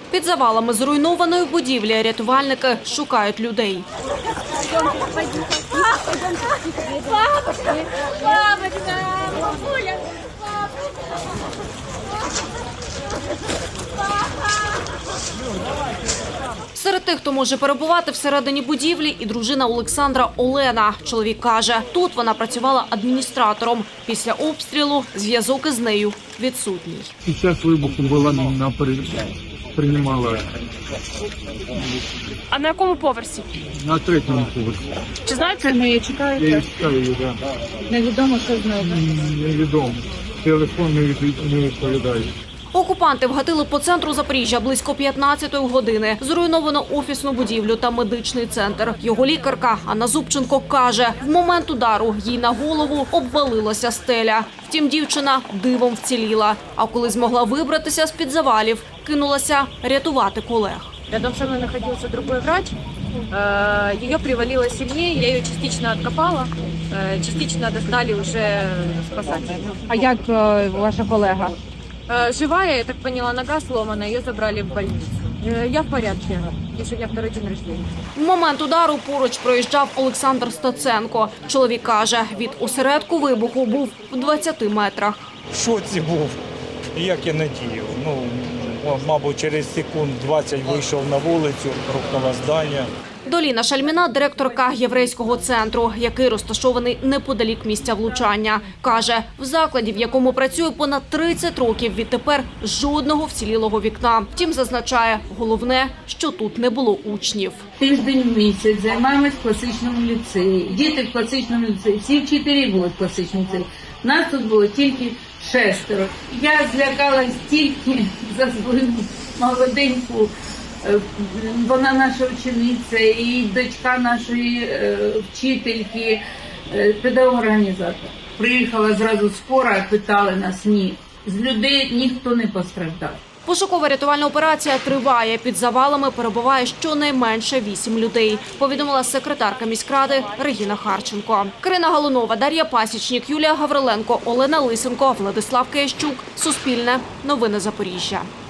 Під завалами зруйнованої будівлі рятувальники шукають людей. Серед тих, хто може перебувати всередині будівлі, і дружина Олександра Олена. Чоловік каже, тут вона працювала адміністратором. Після обстрілу зв'язок із нею відсутній. Під час вибуху була приймала А на якому поверсі? на 3-му поверсі. Чи знаєте, ми її чекаєте? Я її чекаю, да. Невідомо, що з нею. Невідомо. Телефон не відповідає. Окупанти вгатили по центру Запоріжжя близько 15-ї години. Зруйновано офісну будівлю та медичний центр. Його лікарка Анна Зубченко каже, в момент удару їй на голову обвалилася стеля. Втім, дівчина дивом вціліла. А коли змогла вибратися з-під завалів, кинулася рятувати колег. Рядом со мной находился другой врач. Ее привалило сильнее, я ее частично откопала, частично достали уже спасатели. А як ваша колега? Живая, я так поняла, нога сломана, ее забрали в больницу. Я в порядке, и сегодня второй день рождения. В момент удару поруч проїжджав Олександр Стаценко. Чоловік каже, від осередку вибуху був в 20 метрах. В шоці був, як я надіяв. Мабуть, через секунд 20 вийшов на вулицю, рухнуло здання. Доліна Шальміна – директорка єврейського центру, який розташований неподалік місця влучання. Каже, в закладі, в якому працює понад 30 років, відтепер жодного вцілілого вікна. Втім, зазначає, головне, що тут не було учнів. Тиждень в місяць займаємось в класичному ліцеї. Діти в класичному ліцеї, всі вчителі були в класичному ліцеї. Нас тут було тільки 6. Я злякалась тільки за свою молоденьку. Вона наша учениця і дочка нашої вчительки, педагог-організатор. Приїхала зразу скора, питали нас, ні. З людей ніхто не постраждав. Пошукова рятувальна операція триває. Під завалами перебуває щонайменше 8 людей, повідомила секретарка міськради Регіна Харченко. Карина Галунова, Дар'я Пасічник, Юлія Гавриленко, Олена Лисенко, Владислав Киящук. Суспільне. Новини Запоріжжя.